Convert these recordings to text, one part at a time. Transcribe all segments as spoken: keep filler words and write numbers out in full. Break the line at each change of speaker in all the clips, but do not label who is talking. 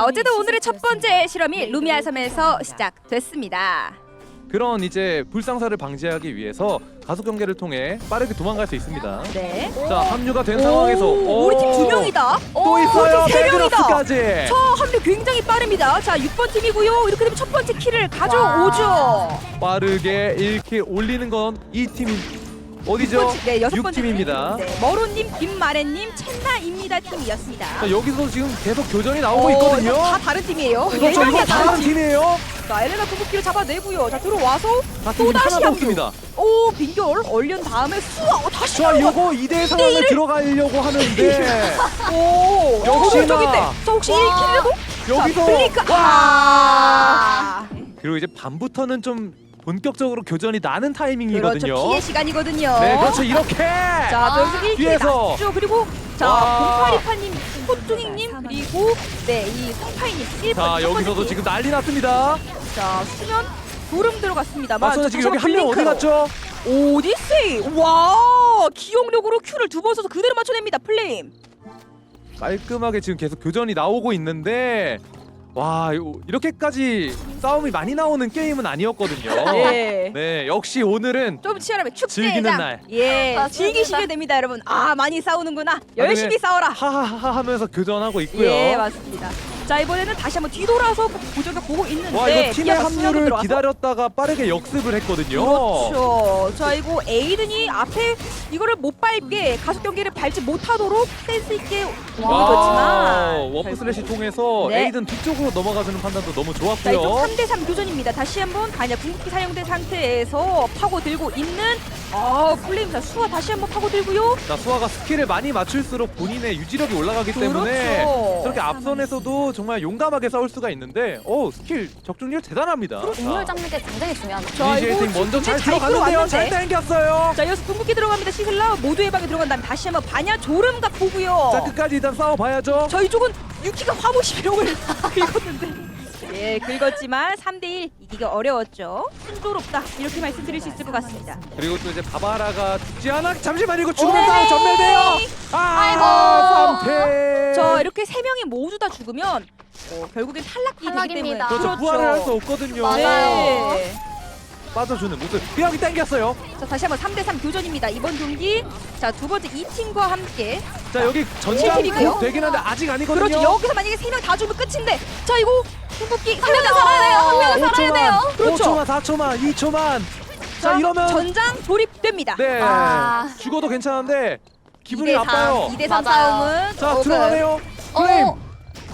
자, 어쨌든 오늘의 첫 번째 실험이 루미아 섬에서 시작됐습니다.
그런 이제 불상사를 방지하기 위해서 가속 경계를 통해 빠르게 도망갈 수 있습니다.
네.
자, 합류가 된 상황에서
오, 우리 팀 두 명이다.
또 있어요.
우리 팀 세 명이다.
매그너스까지.
저 합류 굉장히 빠릅니다. 자, 육 번 팀이고요. 이렇게 되면 첫 번째 킬을 가져오죠.
빠르게 일 킬 올리는 건 이 팀이 어디죠?
육 번째, 네, 여섯
육
번째
팀입니다.
팀. 네, 머로님, 김마래님, 첸나입니다 팀이었습니다.
자, 여기서 지금 계속 교전이 나오고
어,
있거든요.
이거 다 다른 팀이에요.
그렇죠.
네,
이거
다
다른 팀이에요.
자, 엘레나 궁극기를 잡아내고요. 자, 들어와서
같은
또
팀
다시
하나
합류.
없습니다.
오, 빈결 얼른 다음에 수아 어, 다시
자,
들어가.
요거 이 대 상황을 들어가려고 하는데
오,
역시나.
적인데. 자, 혹시 일 킬이라도?
여기서
자, 블링크.
와!
아.
그리고 이제 밤부터는 좀 본격적으로 교전이 나는 타이밍이거든요.
그렇죠. 피해 시간이거든요.
네, 그렇죠. 이렇게.
자, 또 여기서 일 킬
뒤에서.
났죠. 그리고 자,
와.
공파리파님, 호뚱이님 그리고 네, 이 성파이님 일 번.
자, 여기서도 지금 난리 났습니다.
자, 수면 구름 들어갔습니다만
맞서는 지금 여기 한 명 어디 갔죠?
오디세이. 와, 기억력으로 큐를 두 번 써서 그대로 맞춰냅니다. 플레임.
깔끔하게 지금 계속 교전이 나오고 있는데 와, 요- 이렇게까지 싸움이 많이 나오는 게임은 아니었거든요.
네.
네, 역시 오늘은
좀 치열하면 축제장.
즐기는 날.
예,
맞습니다.
즐기시면 됩니다, 여러분. 아, 많이 싸우는구나. 열심히
그냥
싸워라.
하하하 하면서 교전하고 있고요.
예, 맞습니다. 자, 이번에는 다시 한번 뒤돌아서 고정을 보고 있는데
와, 이거 팀의
피아가 수면으로
합류를
들어가서.
기다렸다가 빠르게 역습을 했거든요.
그렇죠. 자, 이거 에이든이 앞에 이거를 못 밟게 가속 경기를 밟지 못하도록 센스 있게
와,
움직였지만
워프 슬래시 통해서
네.
에이든 뒤쪽으로 넘어가주는 판단도 너무
자, 이쪽
좋았고요.
삼 대 삼 교전입니다. 다시 한번 가냐 궁극기 사용된 상태에서 파고들고 있는 아, 플레임사 수와 다시 한번 파고들고요.
자, 수아가 스킬을 많이 맞출수록 본인의 유지력이 올라가기 때문에
그렇죠.
저렇게 앞선에서도 정말 용감하게 싸울 수가 있는데 오, 스킬 적중률 대단합니다.
공을 잡는 게 굉장히 중요합니다.
자,
이니시에이팅
이거
먼저 잘
잘
들어갔는데요. 잘
들어왔는데.
당겼어요.
자, 여기서 궁극기 들어갑니다. 시슬라 모두 예방에 들어간 다음에 다시 한번 반야 조름각 보고요.
자, 끝까지 일단 싸워봐야죠.
저희 쪽은 유키가 화보시 비룡을 긁었는데 예, 긁었지만 삼 대 일 이기기 어려웠죠. 순조롭다 이렇게 말씀드릴 수 있을 것 같습니다.
그리고 또 이제 바바라가 죽지 않아. 잠시만 이거 죽으면
네.
다 전멸돼요. 아, 삼 패.
저 이렇게 세 명이 모두 다 죽으면 어, 결국엔 탈락이 되기 때문에
탈락입니다.
그렇죠. 부활을 할 수 없거든요.
맞아요.
네.
빠져주는 모습. 뼈이 당겼어요.
자, 다시 한번 삼 대 삼 교전입니다. 이번 경기 자, 두 번째 이 팀과 함께
자, 여기 전장
칠팀이고요.
곧 되긴 한데 아직 아니거든요.
그렇죠. 여기서 만약에 세 명 다 죽으면 끝인데 자, 이거 궁극기
한 명은 살아야 돼요. 한 명은 살아야 돼요.
그렇죠.
오 초만, 사 초만, 이 초만. 자, 이러면
전장 조립됩니다.
네.
아.
죽어도 괜찮은데 기분이
이 대 삼,
나빠요.
이 대 삼
맞아요.
싸움은
자,
어,
들어가네요. 플레임.
어,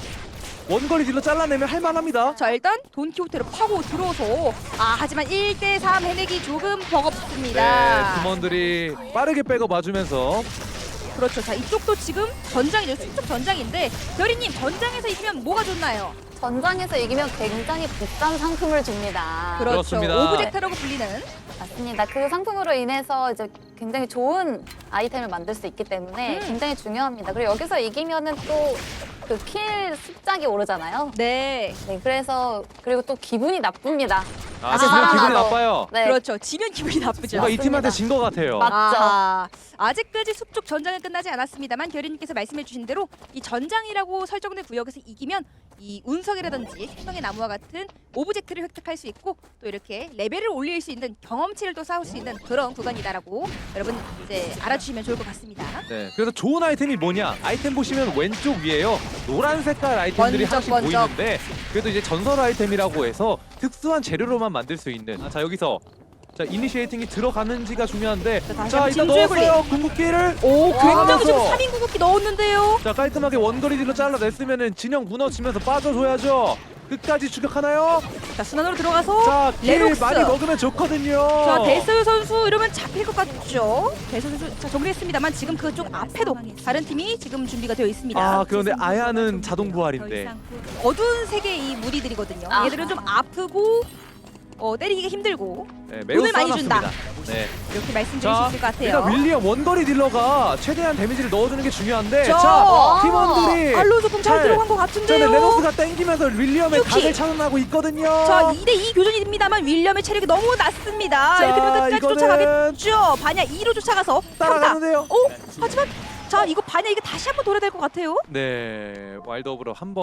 원거리 딜로 잘라내면 할만합니다.
자, 일단 돈키호테를 파고 들어서 아, 하지만 일 대 삼 해내기 조금 버겁습니다.
네, 팀원들이 빠르게 백업 와주면서
그렇죠. 자, 이쪽도 지금 전장이죠. 수축 전장인데 별이님 전장에서 이기면 뭐가 좋나요?
전장에서 이기면 굉장히 비싼 상품을 줍니다.
그렇죠.
그렇습니다.
오브젝트라고 불리는.
맞습니다. 그 상품으로 인해서 이제 굉장히 좋은 아이템을 만들 수 있기 때문에
음.
굉장히 중요합니다. 그리고 여기서 이기면은 또 그 킬 습작이 오르잖아요.
네.
네, 그래서 그리고 또 기분이 나쁩니다.
아,
다시
지금 기분이
살아나도.
나빠요.
네,
그렇죠. 지면 기분이 나쁘죠.
뭔가 이
맞습니다.
팀한테 진 것 같아요.
맞- 맞죠.
아하. 아직까지 숙적 전장은 끝나지 않았습니다만 결의님께서 말씀해주신 대로 이 전장이라고 설정된 구역에서 이기면 이 운석이라든지 생명의 나무와 같은 오브젝트를 획득할 수 있고 또 이렇게 레벨을 올릴 수 있는 경험치를 또 쌓을 수 있는 그런 구간이다라고 여러분 이제 알아주시면 좋을 것 같습니다.
네, 그래서 좋은 아이템이 뭐냐? 아이템 보시면 왼쪽 위에요. 노란 색깔 아이템들이
번쩍,
하나씩
번쩍.
보이는데 그래도 이제 전설 아이템이라고 해서 특수한 재료로만 만들 수 있는. 아, 자, 여기서 자, 이니시에이팅이 들어가는지가 중요한데
자, 다시
자,
한번
일단
진주의
넣었어요. 궁극기를.
오, 굉장히
하면서.
지금 삼 인 궁극기 넣었는데요.
자, 깔끔하게 원거리 딜로 잘라냈으면은 진영 무너지면서 빠져줘야죠. 끝까지 추격하나요?
자, 순환으로 들어가서
자, 길
레록스.
많이 먹으면 좋거든요.
자, 데스 선수 이러면 잡힐 것 같죠? 데스 선수 자, 정리했습니다만 지금 그쪽 앞에도 다른 팀이 지금 준비가 되어 있습니다.
아, 그런데 아야는 자동 부활인데.
어두운 색의 이 무리들이거든요.
아.
얘들은 좀 아프고 어, 때리기가 힘들고
네, 매우
돈을 많이
싸놨습니다. 네.
이렇게 말씀드릴 수
자,
있을 것 같아요.
일단 윌리엄 원거리 딜러가 최대한 데미지를 넣어주는 게 중요한데
자,
자, 팀원들이
알로 조금 잘
잘-
들어간 것
전에
같은데요.
레노스가 땡기면서 윌리엄의
유키.
각을 차단하고 있거든요.
자, 이 대 이 교전입니다만 윌리엄의 체력이 너무 낮습니다.
자,
이렇게 되면 끝까지
이거는
쫓아가겠죠. 반야 이로 쫓아가서 평타.
따라가는데요.
오, 하지만 자 이거 반야 이게 다시 한번 돌아야 될 것 같아요.
네, 와일드 오브로 한번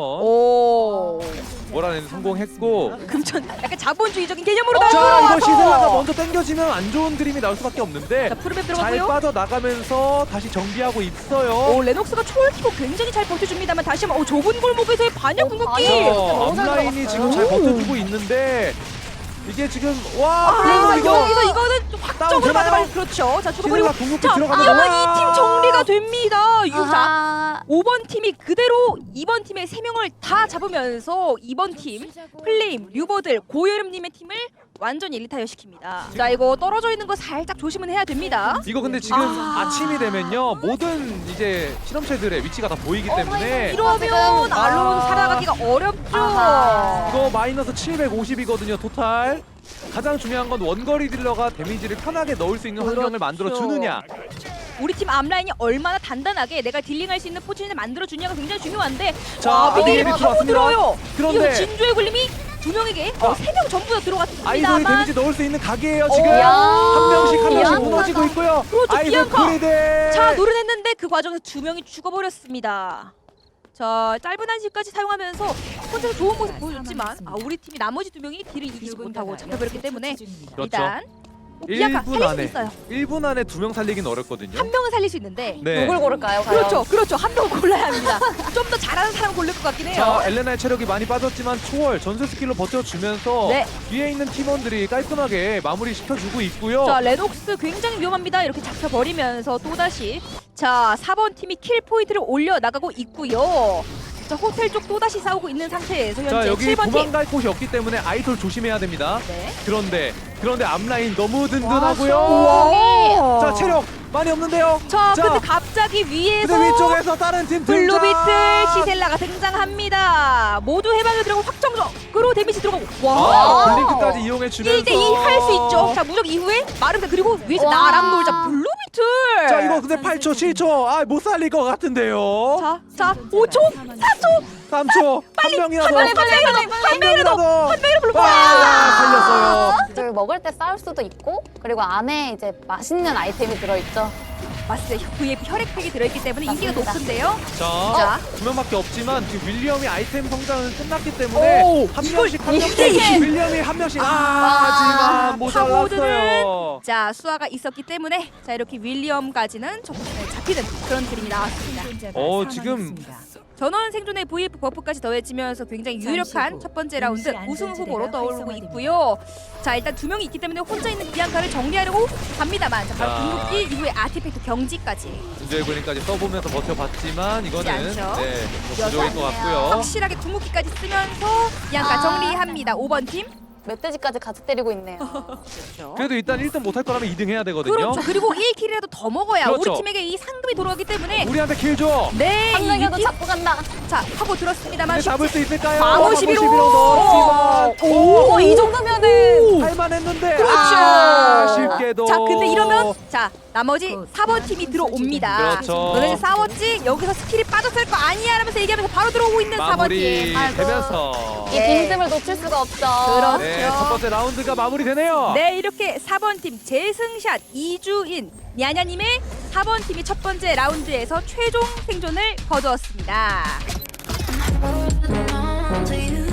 오.
몰아내는 성공했고.
금전 약간 자본주의적인 개념으로
자,
나와서.
이거 시셀라가 먼저 당겨지면 안 좋은 그림이 나올 수밖에 없는데
자 푸르메
잘
들어갔고요.
빠져나가면서 다시 정비하고 있어요.
오 레녹스가 초월 키고 굉장히 잘 버텨줍니다만 다시 한번 오, 좁은 골목에서의 반야
어,
궁극기.
반야.
어,
너무 잘
앞라인이
들어갔어요.
지금 잘
오.
버텨주고 있는데 이게 지금 와
아,
플레이가 이거
여기서 이거는 좀 확정으로
되나요?
받아봐. 그렇죠. 자 죽어버리고.
시셀라 궁극기
자
들어가면
이러면
와.
이 팀 정리가 됩니다. 유자.
아하.
오 번 팀이 그대로 이 번 팀의 세 명을 다 잡으면서 이 번 팀 플레임, 류버들, 고여름님의 팀을 완전히 일리타이어 시킵니다. 자 이거 떨어져 있는 거 살짝 조심은 해야 됩니다.
이거 근데 지금
아.
아... 침이 되면요 모든 이제 실험체들의 위치가 다 보이기 때문에
이러면
지금-
알론
아.
살아가기가 어렵죠.
아하.
이거 마이너스 칠백오십이거든요 토탈. 가장 중요한 건 원거리 딜러가 데미지를 편하게 넣을 수 있는 환경을
그렇죠.
만들어 주느냐.
우리 팀 앞라인이 얼마나 단단하게 내가 딜링할 수 있는 포지션을 만들어 주냐가 굉장히 중요한데
자,
와
아비게일이
미드를 하고
들어왔습니다.
들어요.
그런데-
이거 진조의 굴림이 두 명에게 어, 세 명 전부 다
아이돌이
들어갔습니다만
데미지 넣을 수 있는 각이에요 지금.
야.
한 명씩 한 명씩
비앙카가.
무너지고 있고요.
그렇죠,
아이돌
비앙카.
그리데.
자 노려냈는데 그 과정에서 두 명이 죽어버렸습니다. 자 짧은 한시까지 사용하면서 혼자서 좋은 모습 보여줬지만 아 우리 팀이 나머지 두 명이 딜을 이기지 못하고 잡혀버렸기 때문에
그렇죠.
일단 비앙카
일 분
살릴 수
안에
있어요.
일 분 안에 두 명 살리긴 어렵거든요.
한 명은 살릴 수 있는데
네.
누굴 고를까요, 과연?
그렇죠 그렇죠 한 명은 골라야 합니다. 좀 더 잘하는 사람 고를 것 같긴 해요.
자, 엘레나의 체력이 많이 빠졌지만 초월 전술 스킬로 버텨주면서
네.
뒤에 있는 팀원들이 깔끔하게 마무리 시켜주고 있고요.
자 레녹스 굉장히 위험합니다. 이렇게 잡혀버리면서 또다시 자 사 번 팀이 킬 포인트를 올려나가고 있고요. 자 호텔 쪽 또다시 싸우고 있는 상태에서
자,
현재
여기
칠 번 팀.
도망갈 곳이 없기 때문에 아이돌 조심해야 됩니다.
네.
그런데 그런데 앞라인 너무 든든하고요.
와.
자, 체력 많이 없는데요.
자,
자,
근데 갑자기 위에서
근데 위쪽에서 다른 팀 등장.
블루비트 시셀라가 등장합니다. 모두 해방을 들어가고 확정적으로 데미지 들어가고
아,
와
블링크까지 이용해 주면서
일 대 이 할 수 있죠. 자 무적 이후에 마르다 그리고 위에서
와.
나랑 놀자 블루비트.
자, 이거 근데 팔 초, 칠 초. 아, 못 살릴 것 같은데요.
자, 자 오 초, 사 초,
삼 초. 한 명이라도.
빨리 빨리 빨리 한 명이라도 한 명이라도 불러.
와, 살렸어요.
저기 먹을 때 싸울 수도 있고, 그리고 안에 이제 맛있는 아이템이 들어있죠.
맞습니다. 브이아이피 혈액팩이 들어있기 때문에 인기가
맞습니다.
높은데요.
자,
자.
두 명밖에 없지만 지금 윌리엄이 아이템 성장은 끝났기 때문에
오,
한
이걸
명씩 한
이
명씩
대 일.
윌리엄이 한 명씩 아,
아,
하지만
파고드는
모자랐어요.
자 수아가 있었기 때문에 자 이렇게 윌리엄까지는 좀 잡히는 그런 그림이 나왔습니다.
어, 지금
전원 생존의 브이에프 버프까지 더해지면서 굉장히 유력한 첫 번째 라운드 우승 후보로 떠오르고 있고요. 자 일단 두 명이 있기 때문에 혼자 있는 비앙카를 정리하려고 합니다만 자 바로
자.
궁극기 이후에 아티팩트 경지까지
준조의 군인까지 써보면서 버텨봤지만 이거는
않죠.
네, 좀 부족일 것 같고요.
확실하게 궁극기까지 쓰면서 비앙카
아.
정리합니다. 오 번 팀.
멧돼지까지 같이 때리고 있네요.
그래도 일단 일 등 못할 거라면 이 등 해야 되거든요.
그렇죠. 그리고 일 킬이라도 더 먹어야
그렇죠.
우리 팀에게 이 상금이 돌아가기 때문에
우리한테 킬 줘.
네,
한
이
명이라도
팀-
잡고 간다.
자 하고 들었습니다만
근데 잡을 수 있을까요?
방어 십일 호.
넣었지만
오,
오,
이 정도면은
할만했는데
그렇죠.
아, 쉽게도
자 근데 이러면 자 나머지 사 번 팀이 들어옵니다.
그렇죠.
너네 싸웠지? 여기서 스킬이 빠졌을 거 아니야? 라면서 얘기하면서 바로 들어오고 있는 사 번 팀.
마무리
아이고.
되면서
이
예.
빈틈을 놓칠 수가 없죠.
그렇죠.
네, 첫 번째 라운드가 마무리되네요.
네 이렇게 사 번 팀 재승샷 이주인 냐냐님의 사 번 팀이 첫 번째 라운드에서 최종 생존을 거두었습니다.
Do you